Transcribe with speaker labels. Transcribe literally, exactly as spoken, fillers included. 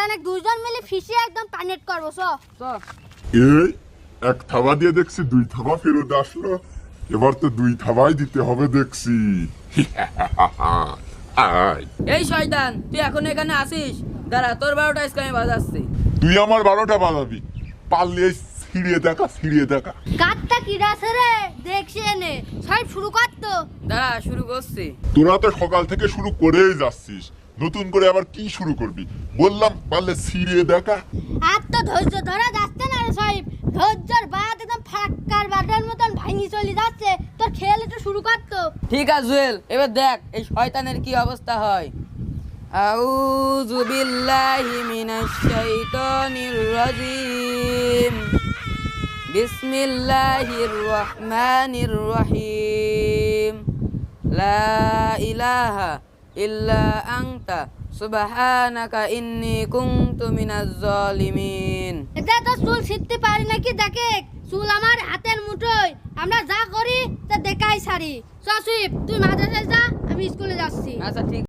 Speaker 1: শয়তানে দুইজন মিলে ফিশে একদম টানেট করবো। চ চ
Speaker 2: এই এক থাবা দিয়ে দেখছি দুই থাবা ফেরত আসলো, এবার তো দুই থাবাই দিতে হবে দেখছি। আয়,
Speaker 3: এই শয়তান, তুই এখন এখানে আসিস? দাঁড়া, তোর বারোটা আজকে আমি বাজাচ্ছি।
Speaker 2: তুই আমার বারোটা বাজাবি, পারলে ছিড়িয়ে দেখা ছিড়িয়ে দেখা।
Speaker 1: কাটটা কি রাছে রে, দেখছি এনে সাহেব শুরু করতো।
Speaker 3: দাঁড়া, শুরু করছি।
Speaker 2: তোরা তো সকাল থেকে শুরু করেই যাচ্ছিস, নতুন করে আবার কি শুরু করবি? বললাম পারলে ছিড়িয়ে দেখা।
Speaker 1: আর তো ধৈর্য ধরা যাচ্ছে না রে সাহেব, ধৈর্যর বাদ একদম ফাক্কার বাটার মতন ভাঙি চলে যাচ্ছে। তোর খেয়াল একটু শুরু করতো।
Speaker 3: ঠিক আছে জুয়েল, এবার দেখ এই শয়তানের কি অবস্থা হয়। আউযু বিল্লাহি মিনাশ শাইতানির রাজিম। বিসমিল্লাহির রহমানির রহিম। লা ইলাহা ইল্লা আনতা সুবহানাকা ইন্নী কুনতু মিনাজ জালিমিন।
Speaker 1: এটা তো চুল ছিঁড়তে পারি নাকি দেখে, চুল আমার হাতের মুঠোয়, আমরা যা করি তা দেখাই সারি। চ সুইপ, তুই মাদ্রাসায় যা, আমি স্কুলে যাচ্ছি।
Speaker 3: আচ্ছা ঠিক